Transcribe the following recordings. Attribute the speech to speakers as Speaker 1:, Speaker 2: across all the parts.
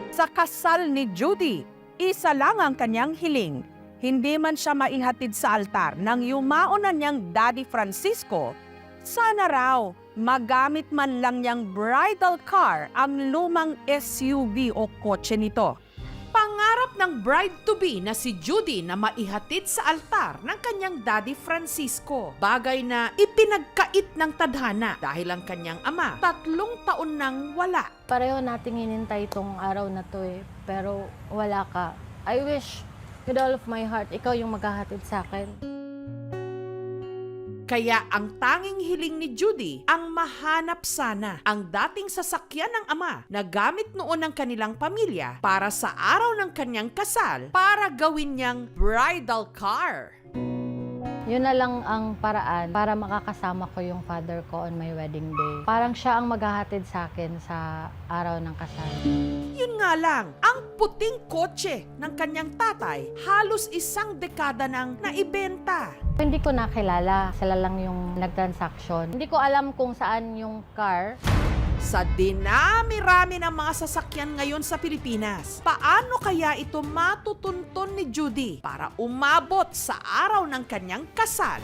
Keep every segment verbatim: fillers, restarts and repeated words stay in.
Speaker 1: Sa kasal ni Judy, isa lang ang kanyang hiling. Hindi man siya maihatid sa altar ng yumao na niyang Daddy Francisco, sana raw magamit man lang niyang bridal car ang lumang S U V o kotse nito. Pangarap ng bride-to-be na si Judy na maihatid sa altar ng kanyang Daddy Francisco. Bagay na ipinagkait ng tadhana dahil ang kanyang ama tatlong taon nang wala.
Speaker 2: Pareho nating hinintay itong araw na to eh, pero wala ka. I wish with all of my heart, ikaw yung maghahatid sa akin.
Speaker 1: Kaya ang tanging hiling ni Judy ang mahanap sana ang dating sasakyan ng ama na gamit noon ng kanilang pamilya para sa araw ng kanyang kasal para gawin niyang bridal car.
Speaker 2: Yun na lang ang paraan para makakasama ko yung father ko on my wedding day. Parang siya ang maghahatid sa akin sa araw ng kasal.
Speaker 1: Yun nga lang, ang puting kotse ng kanyang tatay halos isang dekada nang naibenta.
Speaker 2: Hindi ko nakilala, sila lang yung nag-transaction. Hindi ko alam kung saan yung car.
Speaker 1: Sa dinami-rami ng mga sasakyan ngayon sa Pilipinas, paano kaya ito matutunton ni Judy para umabot sa araw ng kanyang kasal?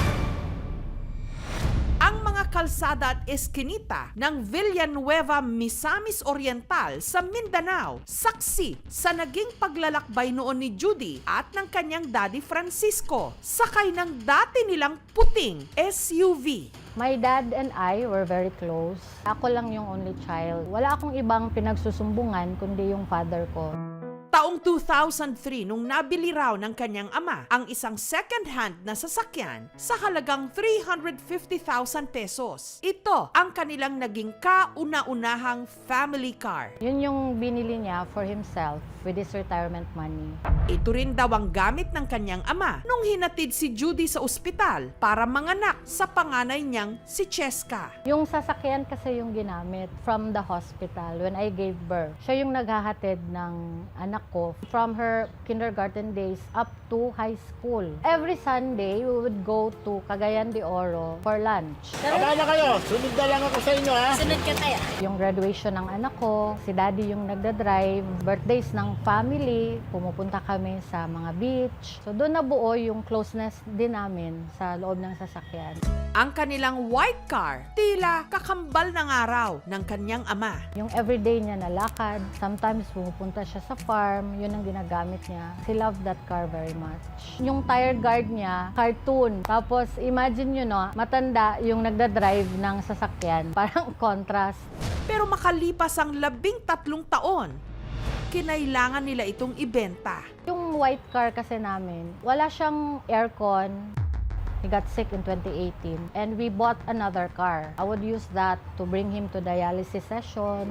Speaker 1: Ang mga kalsada at eskinita ng Villanueva, Misamis Oriental sa Mindanao, saksi sa naging paglalakbay noon ni Judy at ng kanyang Daddy Francisco, sakay ng dati nilang puting S U V.
Speaker 2: My dad and I were very close. Ako lang yung only child. Wala akong ibang pinagsusumbungan kundi yung father ko.
Speaker 1: Taong two thousand three nung nabili raw ng kanyang ama ang isang second-hand na sasakyan sa halagang three hundred fifty thousand pesos. Ito ang kanilang naging kauna-unahang family car.
Speaker 2: Yun yung binili niya for himself with his retirement money.
Speaker 1: Ito rin daw ang gamit ng kanyang ama nung hinatid si Judy sa ospital para manganak sa panganay niyang si Cheska.
Speaker 2: Yung sasakyan kasi yung ginamit from the hospital when I gave birth. Siya yung naghahatid ng anak ko from her kindergarten days up to high school. Every Sunday, we would go to Cagayan de Oro for lunch.
Speaker 3: Baba na kayo, sunod na lang ako sa inyo ha.
Speaker 4: Sunod ka tayo.
Speaker 2: Yung graduation ng anak ko, si daddy yung nagdadrive, birthdays ng family, pumupunta kami sa mga beach. So doon nabuo yung closeness din namin sa loob ng sasakyan.
Speaker 1: Ang kanilang white car, tila kakambal ng araw ng kanyang ama.
Speaker 2: Yung everyday niya na lakad, sometimes pumupunta siya sa farm, yun ang ginagamit niya. He loved that car very much. Yung tire guard niya, cartoon. Tapos imagine nyo no, matanda yung nagdadrive ng sasakyan. Parang contrast.
Speaker 1: Pero makalipas ang labing tatlong taon, kinailangan nila itong ibenta.
Speaker 2: Yung white car kasi namin, wala siyang aircon. He got sick in twenty eighteen and we bought another car. I would use that to bring him to dialysis sessions.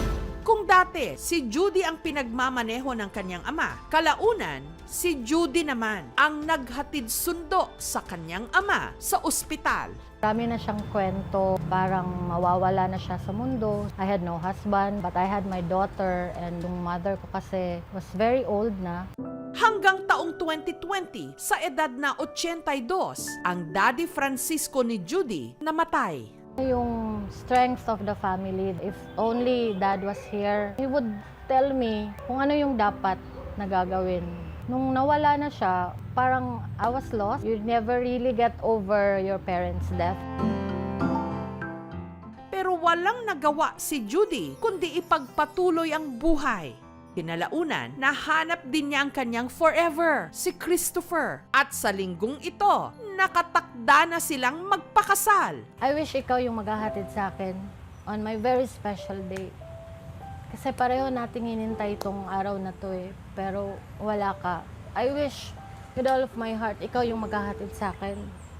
Speaker 1: Kung dati si Judy ang pinagmamaneho ng kanyang ama, kalaunan si Judy naman ang naghatid sundo sa kanyang ama sa ospital.
Speaker 2: Marami na siyang kwento, parang mawawala na siya sa mundo. I had no husband, but I had my daughter and yung mother ko kasi was very old na.
Speaker 1: Hanggang taong twenty twenty, sa edad na eighty-two, ang Daddy Francisco ni Judy namatay.
Speaker 2: Yung strength of the family, if only dad was here, he would tell me kung ano yung dapat na gagawin. Nung nawala na siya, parang I was lost. You never really get over your parents' death.
Speaker 1: Pero walang nagawa si Judy kundi ipagpatuloy ang buhay. Kinalaunan, nahanap din niya ang kanyang forever, si Christopher. At sa linggong ito, nakatakda na silang magpakasal.
Speaker 2: I wish ikaw yung maghahatid sa akin on my very special day. Kasi pareho nating hinintay itong araw na to eh, pero wala ka. I wish with all of my heart, ikaw yung maghahatid sa akin.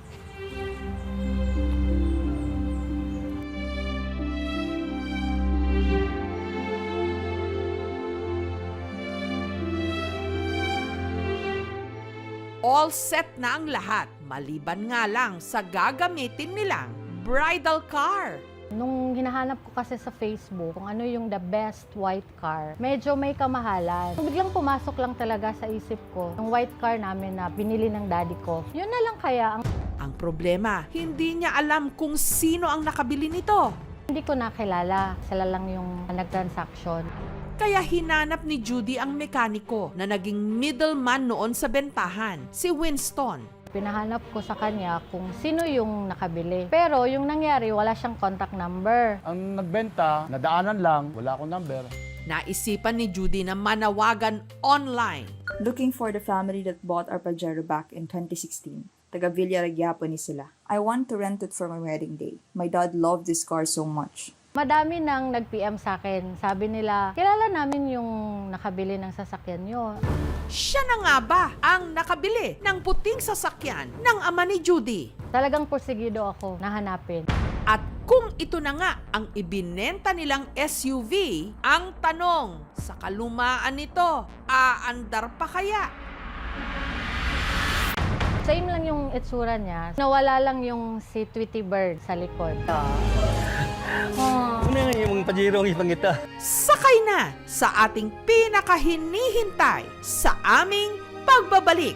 Speaker 1: All set na ang lahat, maliban nga lang sa gagamitin nilang bridal car.
Speaker 2: Nung hinahanap ko kasi sa Facebook kung ano yung the best white car, medyo may kamahalan. So, biglang pumasok lang talaga sa isip ko yung white car namin na binili ng daddy ko. Yun na lang kaya ang...
Speaker 1: Ang problema, hindi niya alam kung sino ang nakabili nito.
Speaker 2: Hindi ko nakilala. Sila lang yung nag-transaction.
Speaker 1: Kaya hinanap ni Judy ang mekaniko na naging middleman noon sa bentahan, si Winston.
Speaker 2: Pinahanap ko sa kanya kung sino yung nakabili. Pero yung nangyari, wala siyang contact number.
Speaker 3: Ang nagbenta, nadaanan lang, wala akong number.
Speaker 1: Naisipan ni Judy na manawagan online.
Speaker 4: Looking for the family that bought our Pajero back in twenty sixteen. Taga Villaregiapo ni sila. I want to rent it for my wedding day. My dad loved this car so much.
Speaker 2: Madami nang nag-P M sa akin. Sabi nila, kilala namin yung nakabili ng sasakyan nyo.
Speaker 1: Siya na nga ba ang nakabili ng puting sasakyan ng ama ni Judy?
Speaker 2: Talagang porsigido ako na hanapin.
Speaker 1: At kung ito na nga ang ibinenta nilang S U V, ang tanong, sa kalumaan nito, aandar pa kaya?
Speaker 2: Same lang yung itsura niya. Nawala lang yung si Tweety Bird sa likod.
Speaker 5: Ano nga yung Pajero ang ipangita?
Speaker 1: Sakay na sa ating pinakahinihintay sa aming pagbabalik.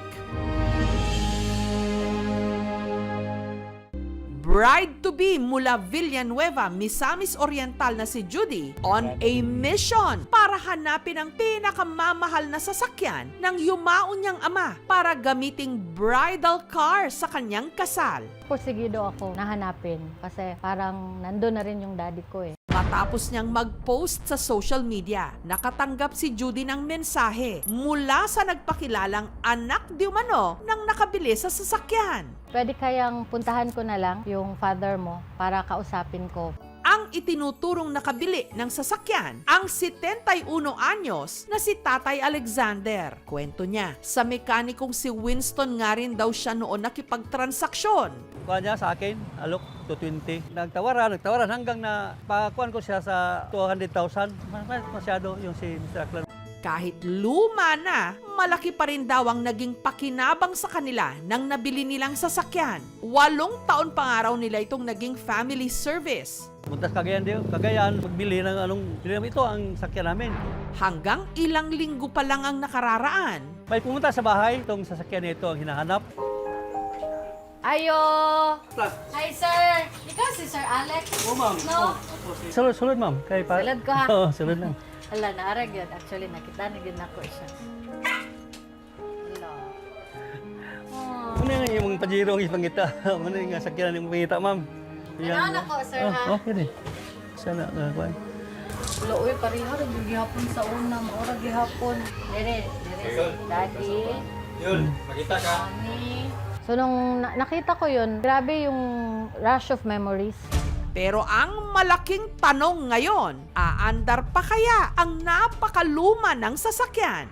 Speaker 1: Bride-to-be mula Villanueva, Misamis Oriental na si Judy on a mission para hanapin ang pinakamamahal na sasakyan ng yumaon niyang ama para gamiting bridal car sa kanyang kasal.
Speaker 2: Porsigido ako na hanapin kasi parang nandun na rin yung daddy ko eh.
Speaker 1: Matapos niyang mag-post sa social media, nakatanggap si Judy ng mensahe mula sa nagpakilalang anak di umano ng nakabili sa sasakyan.
Speaker 2: Pwede kayang puntahan ko na lang yung father mo para kausapin ko.
Speaker 1: Ang itinuturong nakabili ng sasakyan, ang setenta-uno anyos na si Tatay Alexander. Kwento niya, sa mekanikong si Winston nga rin daw siya noon nakipagtransaksyon.
Speaker 5: Kuha niya sa akin, alok, two twenty. Nagtawaran, nagtawaran hanggang na pakuan ko siya sa two hundred thousand. Mas- Masyado yung si mister Aklan.
Speaker 1: Kahit luma na, malaki pa rin daw ang naging pakinabang sa kanila nang nabili nilang sasakyan. Walong taon pa nga raw nila itong naging family service.
Speaker 5: Puntas Cagayan din, Cagayan, magbili ng anong, bili namin ito ang sakyan namin.
Speaker 1: Hanggang ilang linggo pa lang ang nakararaan,
Speaker 5: May pumunta sa bahay, itong sasakyan nito ang hinahanap.
Speaker 2: Ayo! Hi, sir! Ikaw si Sir Alex?
Speaker 5: Oo, ma'am.
Speaker 2: No?
Speaker 5: Sulod, sulod, ma'am. Kay pa-
Speaker 2: Sulod ko, ha?
Speaker 5: Oo, sulod lang.
Speaker 2: Hala, naarag yun. Actually, nakita na yun ako siya. Hala. Oh.
Speaker 5: Ano nga yung Pajero ang ipangita? Ano yung sakyan ang ipangita, ma'am?
Speaker 2: Ano na ko, sir, ha?
Speaker 5: Oh, okay rin. Sana, uh, kuhan.
Speaker 2: Wala, uy, pareha rin yung gihapon sa una. Maura gihapon. Dire, dire, daddy.
Speaker 5: Yun, makita ka.
Speaker 2: Mami. So, nung na- nakita ko yun, grabe yung rush of memories.
Speaker 1: pero ang malaking tanong ngayon, aandar pa kaya ang napakaluma ng sasakyan?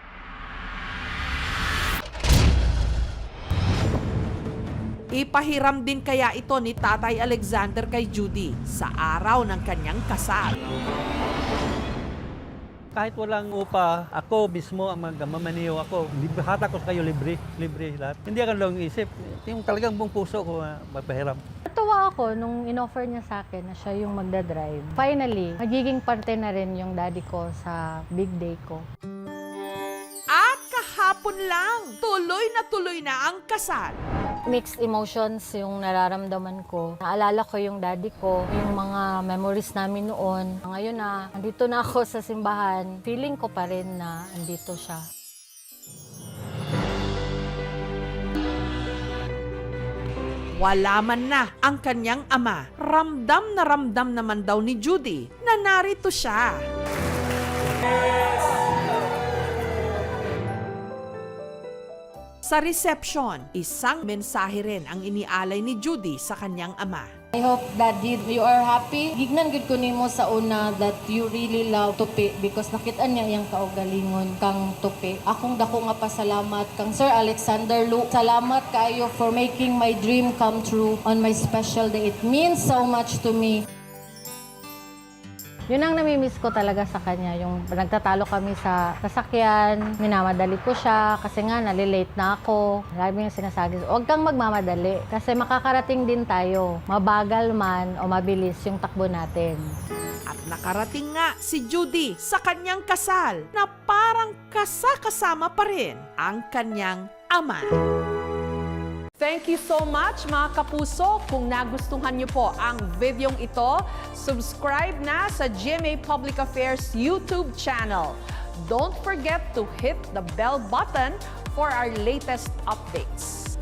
Speaker 1: Ipahiram din kaya ito ni Tatay Alexander kay Judy sa araw ng kanyang kasal.
Speaker 5: Kahit walang upa, ako mismo ang magmamaniho ako. Libre, hatak ko sa kayo libre, libre lahat. Hindi ako lang isip, yung talagang buong puso ko uh, magpahiram.
Speaker 2: Natuwa ako nung in-offer niya sa akin na siya yung magdadrive. Finally, magiging parte na rin yung daddy ko sa big day ko.
Speaker 1: At kahapon lang, tuloy na tuloy na ang kasal.
Speaker 2: Mixed emotions yung nararamdaman ko. Naalala ko yung daddy ko, yung mga memories namin noon. Ngayon na, andito na ako sa simbahan. Feeling ko pa rin na andito siya.
Speaker 1: Wala man na ang kanyang ama. Ramdam na ramdam naman daw ni Judy na narito siya. Sa reception, isang mensahe rin ang inialay ni Judy sa kanyang ama.
Speaker 6: I hope, Daddy, you are happy. Gignan gud ko nimo sa una that you really love tupi because nakita niya yung kaugalingon kang tupi. Akong dako nga pasalamat kang Sir Alexander Lu. Salamat kayo for making my dream come true on my special day. It means so much to me.
Speaker 2: Yun ang namimiss ko talaga sa kanya, yung nagtatalo kami sa sasakyan, minamadali ko siya kasi nga nalilate na ako. Marami yung sinasabi, huwag kang magmamadali kasi makakarating din tayo, mabagal man o mabilis yung takbo natin.
Speaker 1: At nakarating nga si Judy sa kanyang kasal na parang kasakasama pa rin ang kanyang ama. Thank Thank you so much mga kapuso. Kung nagustuhan niyo po ang videong ito, subscribe na sa G M A Public Affairs YouTube channel. Don't forget to hit the bell button for our latest updates.